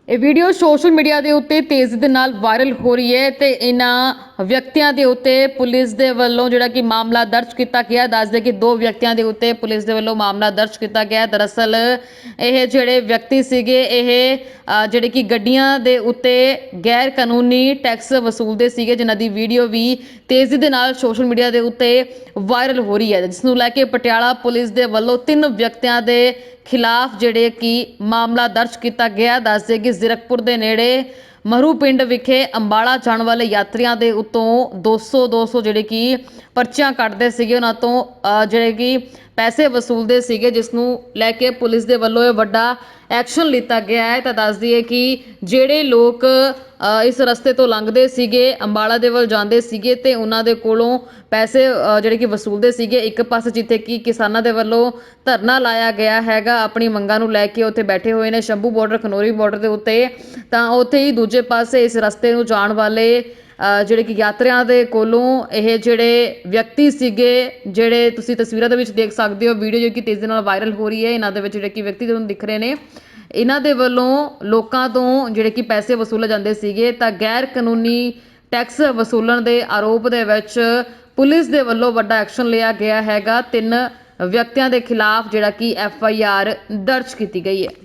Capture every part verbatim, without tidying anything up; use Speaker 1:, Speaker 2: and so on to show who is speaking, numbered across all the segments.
Speaker 1: ਇਹ video social media ਦੇ ਉੱਤੇ ਤੇਜ਼ੀ ਦੇ ਨਾਲ ਵਾਇਰਲ ਹੋ ਰਹੀ ਹੈ ਤੇ ਇਹਨਾਂ ਵਿਅਕਤੀਆਂ ਦੇ ਉੱਤੇ ਪੁਲਿਸ ਦੇ ਵੱਲੋਂ ਜਿਹੜਾ ਕਿ ਮਾਮਲਾ ਦਰਜ ਕੀਤਾ ਗਿਆ। ਦੱਸਦੇ ਕਿ ਦੋ ਵਿਅਕਤੀਆਂ ਦੇ ਉੱਤੇ ਪੁਲਿਸ ਦੇ ਵੱਲੋਂ ਮਾਮਲਾ ਦਰਜ ਕੀਤਾ ਗਿਆ। ਦਰਅਸਲ ਇਹ ਜਿਹੜੇ ਵਿਅਕਤੀ ਸੀਗੇ ਇਹ ਜਿਹੜੇ ਕਿ ਗੱਡੀਆਂ ਦੇ ਉੱਤੇ ਗੈਰ ਕਾਨੂੰਨੀ ਟੈਕਸ ਵਸੂਲਦੇ ਸੀਗੇ, ਜਿਨ੍ਹਾਂ ਦੀ ਵੀਡੀਓ ਵੀ ਤੇਜ਼ੀ ਦੇ ਨਾਲ ਸੋਸ਼ਲ ਮੀਡੀਆ ਦੇ ਉੱਤੇ ਵਾਇਰਲ ਹੋ ਰਹੀ ਹੈ, ਜਿਸ ਨੂੰ ਲੈ ਕੇ ਪਟਿਆਲਾ ਪੁਲਿਸ ਦੇ ਵੱਲੋਂ ਤਿੰਨ ਵਿਅਕਤੀਆਂ ਦੇ ਖਿਲਾਫ ਜਿਹੜੇ ਕਿ ਮਾਮਲਾ ਦਰਜ ਕੀਤਾ ਗਿਆ। ਦੱਸਦੇ ਕਿ ਜ਼ੀਰਕਪੁਰ ਦੇ ਨੇੜੇ ਮਰੂ ਪਿੰਡ ਵਿਖੇ ਅੰਬਾਲਾ ਜਾਣ ਵਾਲੇ ਯਾਤਰੀਆਂ ਦੇ ਉੱਤੋਂ ਦੋ ਸੌ ਦੋ ਸੌ ਜਿਹੜੇ ਕਿ ਪਰਚੀਆਂ ਕੱਟਦੇ ਸੀਗੇ, ਉਹਨਾਂ ਤੋਂ ਜਿਹੜੇ ਕਿ ਪੈਸੇ ਵਸੂਲਦੇ ਸੀਗੇ, ਜਿਸ ਨੂੰ ਲੈ ਕੇ ਪੁਲਿਸ ਦੇ ਵੱਲੋਂ ਇਹ ਵੱਡਾ ਐਕਸ਼ਨ ਲਿੱਤਾ ਗਿਆ ਹੈ। ਤਾਂ ਦੱਸ ਦਈਏ ਕਿ ਜਿਹੜੇ ਲੋਕ ਇਸ ਰਸਤੇ ਤੋਂ ਲੰਘਦੇ ਸੀਗੇ, ਅੰਬਾਲਾ ਦੇ ਵੱਲ ਜਾਂਦੇ ਸੀਗੇ ਤੇ ਉਹਨਾਂ ਦੇ ਕੋਲੋਂ ਪੈਸੇ ਜਿਹੜੇ ਕਿ ਵਸੂਲਦੇ ਸੀਗੇ। ਇੱਕ ਪਾਸੇ ਜਿੱਥੇ ਕਿ ਕਿਸਾਨਾਂ ਦੇ ਵੱਲੋਂ ਧਰਨਾ ਲਾਇਆ ਗਿਆ ਹੈਗਾ ਆਪਣੀ ਮੰਗਾਂ ਨੂੰ ਲੈ ਕੇ, ਉੱਥੇ ਬੈਠੇ ਹੋਏ ਨੇ ਸ਼ੰਭੂ ਬਾਰਡਰ ਖਨੌਰੀ ਬਾਰਡਰ ਦੇ ਉੱਤੇ, ਤਾਂ ਉੱਥੇ ਹੀ ਦੂਜੇ ਪਾਸੇ ਇਸ ਰਸਤੇ ਨੂੰ ਜਾਣ ਵਾਲੇ ਜਿਹੜੇ ਕਿ ਯਾਤਰੀਆਂ ਦੇ ਕੋਲੋਂ ਇਹ ਜਿਹੜੇ ਵਿਅਕਤੀ ਸੀਗੇ, ਜਿਹੜੇ ਤੁਸੀਂ ਤਸਵੀਰਾਂ ਦੇ ਵਿੱਚ ਦੇਖ ਸਕਦੇ ਹੋ, ਵੀਡੀਓ ਜੋ ਕਿ ਤੇਜ਼ੀ ਨਾਲ ਵਾਇਰਲ ਹੋ ਰਹੀ ਹੈ, ਇਹਨਾਂ ਦੇ ਵਿੱਚ ਜਿਹੜੇ ਕਿ ਵਿਅਕਤੀ ਤੁਹਾਨੂੰ ਦਿਖ ਰਹੇ ਨੇ, ਇਹਨਾਂ ਦੇ ਵੱਲੋਂ ਲੋਕਾਂ ਤੋਂ ਜਿਹੜੇ ਕਿ ਪੈਸੇ ਵਸੂਲੇ ਜਾਂਦੇ ਸੀਗੇ। ਤਾਂ ਗੈਰ ਕਾਨੂੰਨੀ ਟੈਕਸ ਵਸੂਲਣ ਦੇ ਆਰੋਪ ਦੇ ਵਿੱਚ ਪੁਲਿਸ ਦੇ ਵੱਲੋਂ ਵੱਡਾ ਐਕਸ਼ਨ ਲਿਆ ਗਿਆ ਹੈਗਾ। ਤਿੰਨ ਵਿਅਕਤੀਆਂ ਦੇ ਖਿਲਾਫ ਜਿਹੜਾ ਕਿ ਐਫ ਆਈ ਆਰ ਦਰਜ ਕੀਤੀ ਗਈ ਹੈ।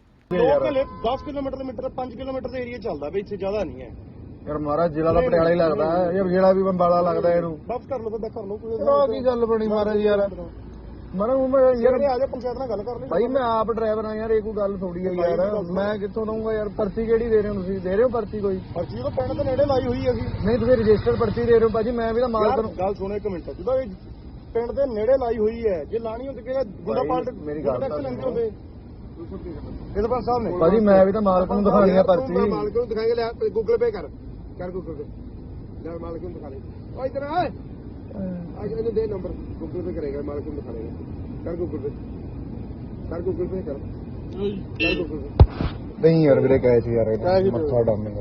Speaker 2: ਦਸ ਕਿਲੋਮੀਟਰ ਮੀਟਰ ਪੰਜ ਕਿਲੋਮੀਟਰ ਦੇ ਏਰੀਆ ਚੱਲਦਾ ਬਈ, ਇੱਥੇ ਜ਼ਿਆਦਾ ਨਹੀਂ ਹੈ
Speaker 3: ਯਾਰ। ਮਹਾਰਾਜ ਜ਼ਿਲ੍ਹਾ ਦਾ ਪਟਿਆਲਾ ਹੀ ਲੱਗਦਾ ਹੈ ਯਾਰ, ਜ਼ਿਲ੍ਹਾ ਵੀ ਬੰਬਾਲਾ ਲੱਗਦਾ ਇਹਨੂੰ।
Speaker 2: ਬਸ ਕਰ ਲਓ ਤਾਂ ਕਰ ਲਓ,
Speaker 3: ਕੋਈ ਕੀ ਗੱਲ ਬਣੀ ਮਹਾਰਾਜ ਯਾਰ। ਮਰਾਂ ਮੈਂ ਯਾਰ
Speaker 2: ਆ ਜਾ ਪੰਚਾਇਤ ਨਾਲ ਗੱਲ ਕਰ ਲਈ
Speaker 3: ਭਾਈ, ਮੈਂ ਆਪ ਡਰਾਈਵਰ ਆ ਯਾਰ, ਇਹ ਕੋਈ ਗੱਲ ਥੋੜੀ ਆ ਯਾਰ। ਮੈਂ ਕਿੱਥੋਂ ਦਊਂਗਾ ਯਾਰ? ਪਰਚੀ ਕਿਹੜੀ ਦੇ ਰਹੇ ਹੋ ਤੁਸੀਂ? ਦੇ ਰਹੇ ਹੋ ਪਰਚੀ ਕੋਈ?
Speaker 2: ਪਰਚੀ ਤਾਂ ਪਿੰਡ ਦੇ ਨੇੜੇ ਲਾਈ ਹੋਈ ਹੈ ਅਸੀਂ।
Speaker 3: ਨਹੀਂ ਤੁਸੀਂ ਰਜਿਸਟਰ ਪਰਚੀ ਦੇ ਰਹੇ ਹੋ ਭਾਜੀ, ਮੈਂ ਵੀ ਤਾਂ ਮਾਲਕ ਨੂੰ।
Speaker 2: ਗੱਲ ਸੁਣੋ ਇੱਕ ਮਿੰਟ, ਜਦੋਂ ਇਹ ਪਿੰਡ ਦੇ ਨੇੜੇ ਲਾਈ ਹੋਈ ਹੈ, ਜੇ ਲਾਣੀ ਹੁੰਦੀ ਕਿ ਗੁੰਡਾ ਪਾਲਟ
Speaker 3: ਮੇਰੀ ਗੱਲ
Speaker 2: ਟੈਕਸ ਲੈਂਦੇ ਹੁੰਦੇ ਇਹਦੇ ਪਰ ਸਾਹਿਬ ਨੇ।
Speaker 3: ਭਾਜੀ ਮੈਂ ਵੀ ਤਾਂ ਮਾਲਕ ਨੂੰ ਦਿਖਾਣੀ ਆ ਪਰਚੀ।
Speaker 2: ਮਾਲਕ ਨੂੰ ਦਿਖਾਏਗਾ, ਲੈ ਗੂਗਲ ਪੇ ਕਰ ਕਰ ਗੂਗਲ ਪੇ, ਲੈ ਮਾਲਕ ਨੂੰ ਦਿਖਾ ਦੇ। ਓ ਇਧਰ ਆ, ਅੱਜ ਇਹਨੂੰ ਦੇ ਨੰਬਰ, ਗੂਗਲ ਪੇ ਕਰੇਗਾ, ਮਾਲਕ ਨੂੰ ਦਿਖਾ ਦੇਗਾ। ਕਰ ਗੂਗਲ ਪੇ ਕਰ ਗੂਗਲ ਪੇ ਕਰ ਕਰ ਗੂਗਲ ਪੇ।
Speaker 3: ਨਹੀਂ ਯਾਰ ਵੀਰੇ ਕਹੇ ਸੀ ਯਾਰ, ਮੱਥਾ ਡਾਮੇਗਾ।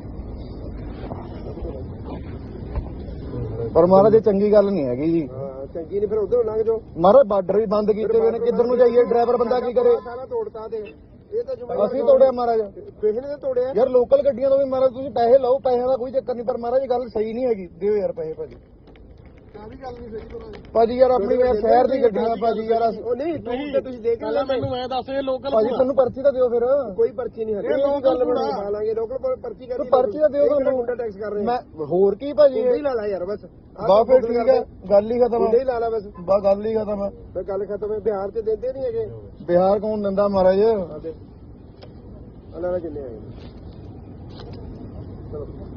Speaker 3: ਪਰ ਮਹਾਰਾਜ ਇਹ ਚੰਗੀ ਗੱਲ ਨਹੀਂ ਹੈਗੀ ਜੀ।
Speaker 2: ਚੰਗੀ ਨਹੀਂ, ਫਿਰ ਉਧਰ ਲੰਘ ਜਾਓ।
Speaker 3: ਮਹਾਰਾਜ ਬਾਰਡਰ ਵੀ ਬੰਦ ਕੀਤੇ ਹੋਏ ਨੇ, ਕਿੱਧਰ ਨੂੰ ਜਾਈਏ? ਡਰਾਈਵਰ ਬੰਦਾ ਕੀ ਕਰੇ?
Speaker 2: ਸਾਰਾ ਤੋੜਤਾ ਤੇ ਇਹ ਤਾਂ
Speaker 3: ਅਸੀਂ ਤੋੜਿਆ ਮਹਾਰਾਜ,
Speaker 2: ਕਿਸੇ ਨੇ ਤੋੜਿਆ
Speaker 3: ਯਾਰ। ਲੋਕਲ ਗੱਡੀਆਂ ਤੋਂ ਵੀ ਮਹਾਰਾਜ ਤੁਸੀਂ ਪੈਸੇ ਲਓ, ਪੈਸਿਆਂ ਦਾ ਕੋਈ ਚੱਕਰ ਨਹੀਂ, ਪਰ ਮਹਾਰਾਜ ਇਹ ਗੱਲ ਸਹੀ ਨਹੀਂ ਹੈਗੀ। ਦਿਓ ਯਾਰ ਪੈਸੇ ਭਾਜੀ।
Speaker 2: ਕਾਹਦੀ ਗੱਲ ਨਹੀਂ ਸਹੀ ਤੁਹਾਡੀ
Speaker 3: ਭਾਜੀ ਯਾਰ, ਆਪਣੀ ਯਾਰ ਸ਼ਹਿਰ ਦੀ ਗੱਡੀਆਂ ਭਾਜੀ ਯਾਰ।
Speaker 2: ਉਹ ਨਹੀਂ ਤੁਸੀਂ ਤੇ ਤੁਸੀਂ ਦੇਖ ਲੈ, ਮੈਨੂੰ ਮੈਂ ਦੱਸ ਇਹ ਲੋਕਲ
Speaker 3: ਭਾਜੀ ਤੁਹਾਨੂੰ ਪਰਚੀ ਤਾਂ ਦਿਓ ਫਿਰ।
Speaker 2: ਕੋਈ ਪਰਚੀ ਨਹੀਂ ਹੈ, ਇਹ ਗੱਲ ਬਣਾ ਲਾਂਗੇ। ਲੋਕਲ ਕੋਲ ਪਰਚੀ ਕਰ
Speaker 3: ਤੂੰ ਪਰਚੀ ਤਾਂ ਦਿਓ ਤੁਹਾਨੂੰ।
Speaker 2: ਮੁੰਡਾ ਟੈਕਸ ਕਰ ਰਹੇ
Speaker 3: ਮੈਂ ਹੋਰ ਕੀ ਭਾਜੀ,
Speaker 2: ਹੀ ਲਾ ਲਾ ਯਾਰ ਬਸ।
Speaker 3: ਬਾ ਫਿਰ ਠੀਕ ਹੈ, ਗੱਲ ਹੀ ਖਤਮ
Speaker 2: ਮੁੰਡੇ ਹੀ ਲਾ ਲਾ ਬਸ,
Speaker 3: ਬਾ ਗੱਲ ਹੀ ਖਤਮ ਹੈ।
Speaker 2: ਫਿਰ ਗੱਲ ਖਤਮ ਹੈ। ਬਿਹਾਰ ਤੇ ਦਿੰਦੇ ਨਹੀਂ ਹੈਗੇ।
Speaker 3: ਬਿਹਾਰ ਕੌਣ ਦਿੰਦਾ ਮਹਾਰਾਜ?
Speaker 2: ਅੱਲਾ ਨਾਲ ਕਿੰਨੇ ਆਏ ਚਲੋ।